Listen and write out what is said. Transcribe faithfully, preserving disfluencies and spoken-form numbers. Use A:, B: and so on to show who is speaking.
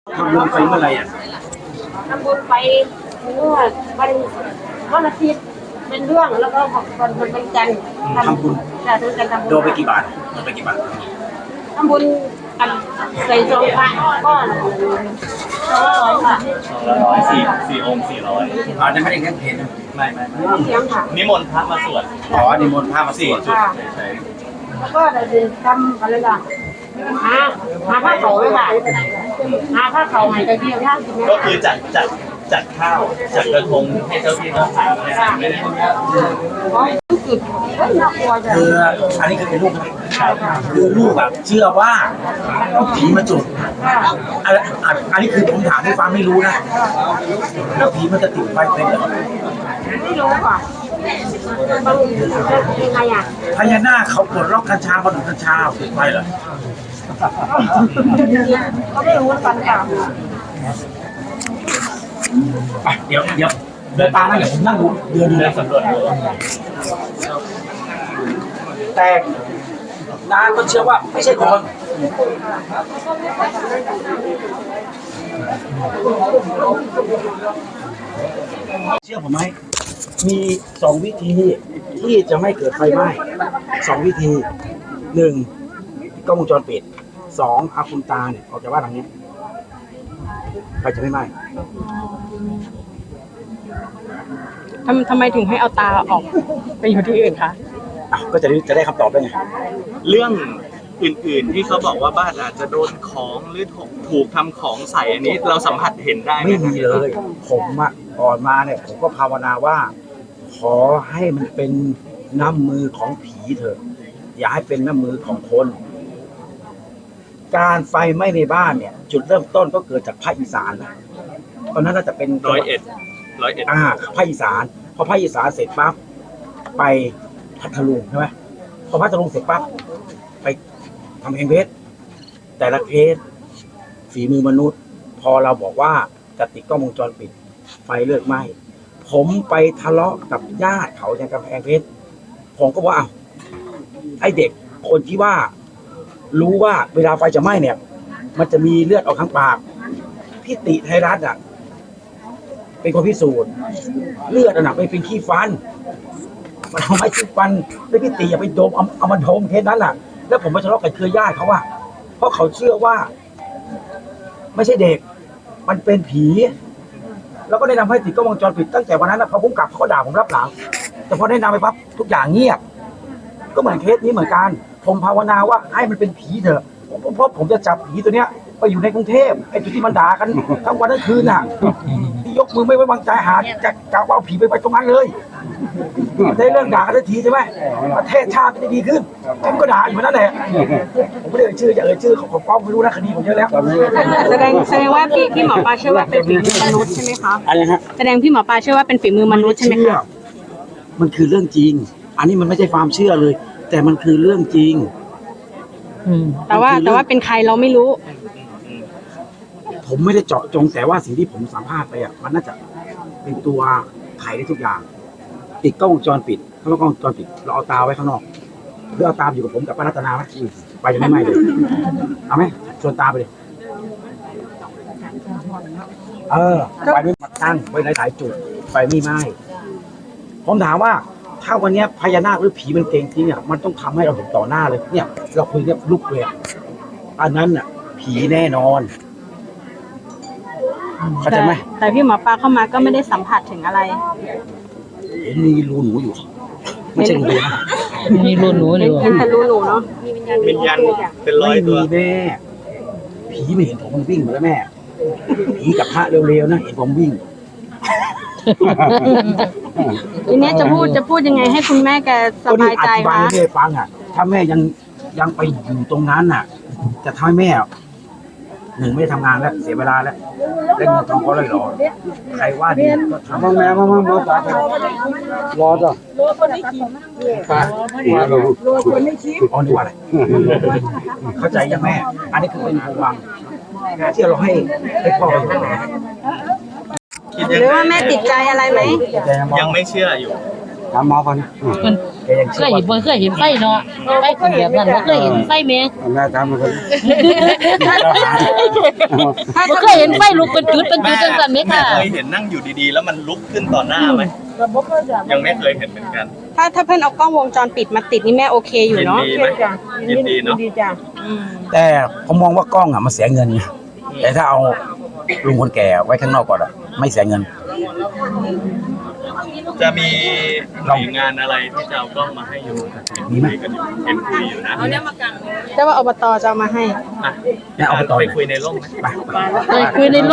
A: ทำบุญไปเมื่อไหร่อ่ะ
B: ทำบุญไปเมื่อวันวันอาทิตย์เป็นเรื่องแล้วก็ของคนคนเป็นจันทร์
A: ทำบุญ
B: จะทำกันทำบุญ
A: โดนไปกี่บาทโดนไปกี่บาท
B: ทำบุญกันใส่ซองพระก้อนสองร้อยค่ะ
C: ร้อยสี่สี่องค์สี่ร้อย
A: อ๋อจะไม่ได้แค่เพลง
C: ไม่ไม่ไม่
B: เสียงค่ะ
C: นิมนต์พระมาสวด
A: อ๋อนิมนต์พระมาสวด
C: จุดใช่
B: แล้วก็เราจะทำอะไรล่ะหาหาผ้าเขาเลยค่ะหาผ้าเขาใหม่กระเทียมย่างกิน
C: ก็คือจัดจัดจัดข้าวจัดกระทงให้เจ้าที่เจ้าทางไม่ได้
B: อ๋อจุดน่ากลัวจัง
A: คืออันนี้คือเป็นลูกคือลูกแบบเชื่อว่าผีมาจุดอันอันนี้คือผมถามให้ฟังไม่รู้นะแล้วผีมันจะติดไฟเป็นเหรอ
B: ไม่รู้ค่ะบางยังไงอ่ะ
A: พญานาคเขาปลดล็อกกัญชาบนกัญชาติดไฟเหรอ
B: ก็ไม่รู้กันค่ะ
A: ไปเดี๋ยวเดี๋ยวเดินตามนะเดี๋ยวผมนั่งดูเดินดูแลสำรวจแต่นางก็เชื่อว่าไม่ใช่คนเชื่อผมไหมมีสองวิธีที่จะไม่เกิดไฟไหม้สองวิธีหนึ่งกล้องวงจรปิดสองเอาคุณตาเนี่ยออกจากบ้านหลังนี้ไฟจะไม่ไหม้
D: ทำทำไมถึงให้เอาตาออกไปอยู่ที่อื่นคะ
A: อ่ะก็จะได้จะได้คำตอบได้ไง
C: เรื่องอื่นๆที่เขาบอกว่าบ้านอาจจะโดนของหรือถูกทำของใส่อันนี้เราสัมผัสเห็นได้ไหม
A: ไม่มีเลยผมอะก่อนมาเนี่ยผมก็ภาวนาว่าขอให้มันเป็นน้ำมือของผีเถอะอย่าให้เป็นน้ำมือของคนการไฟไหม้ในบ้านเนี่ยจุดเริ่มต้นก็เกิดจากภาคอีสานนะตอนนั้นน่าจะเป็น
C: ร้อยเอ็ดร้อยเอ็ด
A: อ่าภาคอีสานพอภาคอีสานเสร็จปั๊บไปพัทลุงใช่ไหมพอพัทลุงเสร็จปั๊บไปทำเพลงเพชรแต่ละเพชรฝีมือมนุษย์พอเราบอกว่าจะติดกล้องวงจรปิดไฟเลิกไหม้ผมไปทะเลาะกับญาติเขาในกำแพงเพชรผมก็ว่าไอเด็กคนที่ว่ารู้ว่าเวลาไฟจะไหม้เนี่ยมันจะมีเลือดออกทางปากพี่ติไทยรัฐอ่ะเป็นคนพิสูจน์เลือดน่ะไม่เป็นขี้ฟันมันเอาไม้ขี้ฟันแล้วพี่ติอย่าไปโดมเอาเอามาโดมแค่นั้นแหละแล้วผมไปทะเลาะกับเครือญาติเขาว่าเพราะเขาเชื่อว่าไม่ใช่เด็กมันเป็นผีแล้วก็แนะนำให้ติดกล้องวงจรปิดตั้งแต่วันนั้นนะพอผมกลับเขาก็ด่าผมรับหลังแต่พอแนะนำไปปั๊บทุกอย่างเงียบก็เหมือนเคสนี้เหมือนกันผมภาวนาว่าให้มันเป็นผีเถอะเพราะผมจะจับผีตัวเนี้ยไปอยู่ในกรุงเทพไอ้จุดที่มันด่ากันทั้งวันทั้งคืนน่ะที่ยกมือไม่ไว้วางใจหาจะจะเอาผีไปไปตรงนั้นเลยได้เรื่องด่ากันทันทีใช่ไหมประเทศชาติจะดีขึ้นผมก็ด่าอยู่นั่นแหละผมไม่ได้เอ่ยชื่อจะเอ่ยชื่อของฟ้องไม่รู้นะคดีผมเยอะแล้ว
D: แสดงแสดงว่าพี่พี่หมอปลาเชื่อว่าเป็นฝีมือมนุษย์ใช่ไหมคะ
A: อะไรฮะ
D: แสดงพี่หมอปลาเชื่อว่าเป็นฝีมือมนุษย์ใช่ไหมคะ
A: มันคือเรื่องจริงอันนี้มันไม่ใช่ความเชื่อเลยแต่มันคือเรื่องจริง
D: แต่ว่าแต่ว่าเป็นใครเราไม่รู้
A: ผมไม่ได้เจาะจงแต่ว่าสิ่งที่ผมสัมภาษณ์ไปอ่ะมันน่าจะเป็นตัวไขได้ทุกอย่างติดกล้องวงจรปิดถ้าเรากล้องวงจรปิดเราเอาตาไว้ข้างนอกเพื่อเอาตาอยู่กับผมกับป้ารัตนาไหมไปจะไม่ไหม้เลยเอาไหมชวนตาไปเลยเออไฟไม่มาตั้งไว้หลายๆจุดไฟไม่ไหม้ผมถามว่าถ้าวันนี้พญานาคหรือผีมันเก่งจริงอ่ะมันต้องทำให้เราเห็นต่อหน้าเลยเนี่ยเราคุยเนี่ยลุกเลยอันนั้นอ่ะผีแน่นอนเข้าใจไหม
D: แต่พี่หมอปลาเข้ามาก็ไม่ได้สัมผัสถึงอะไร
A: เห็นมีรูหนูอยู่ไม่ใช่รูนะ
D: มีรูหนูอยู่เห็นแต่รูหนูเนาะ
C: วิญญาณเป็นร้อยตัว
A: ไม่มีแม่ผีไม่เห็นผมมันวิ่งมาแล้วแม่ผีกับพระเร็วๆนะเห็นผมวิ่ง
D: ทีนี้จะพูดจะพูดยังไงให้คุณแม่แกสบายใจคะ
A: อธิบายให้แม่ฟังอ่ะถ้าแม่ยังยังไปอยู่ตรงนั้นน่ะจะทำให้แม่หนึ่งไม่ทำงานแล้วเสียเวลาแล้วเล่นเงินทองเขาเลยหรอใครว่าดีก็ทำมาแม่มามามาปากรอจ้ะรอคนไม่คิดปากรอคนไม่คิดอ๋อนี่ว่าอะไรเข้าใจยังแม่อันนี้คือเป็นความหวังที่เราให้ให้พ่อไปอยู่
D: หรือว่าแม่ติดใจอะไรไหม
C: ยังไม่เชื่ออยู่
A: ถามหมอก่อนแกยัง
E: เคยเห็นบ่เคยเห็นไฟเนาะไฟขึ้นแบบนั้นบ่เคยเห็นไฟแม่
A: หน้าตามมันก็
E: บ่เคยเห็นไฟลุกเป็นจุดเป็นจุดจังซั่นแม่
C: แม่
E: ค่ะ
C: เคยเห็นนั่งอยู่ดีๆ แล้วมันลุกขึ้นต่อหน้าไหมยังไม่เคยเห็นเหมือนกัน
D: ถ้าถ้าเพื่อนเอากล้องวงจรปิดมาติดนี่แม่โอเคอยู่
C: ยิน
D: เนาะ
C: ดีไหมยินดีเนาะ
B: ดีจ้ะ
D: อืม
A: แต่ผมมองว่ากล้องอ่ะมันเสียเงินไงแต่ถ้าเอาลุงคนแก่ไว้ข้างนอกก่อนอ่ะไม่เสียเงิน
C: จะมีหน่วยงานอะไรที่จะเอากล้องมาให้อยู่
A: มีไหม
C: คุยกันอยู่เห็นคุยอยู่นะ
D: แต่ว่าอบตจะเอามาให้
C: อ่ะ
A: เนี่ยเอาไปต่อ
C: ไป
A: เลย
C: คุยในร่มไหม
A: ไป
E: เลยคือใน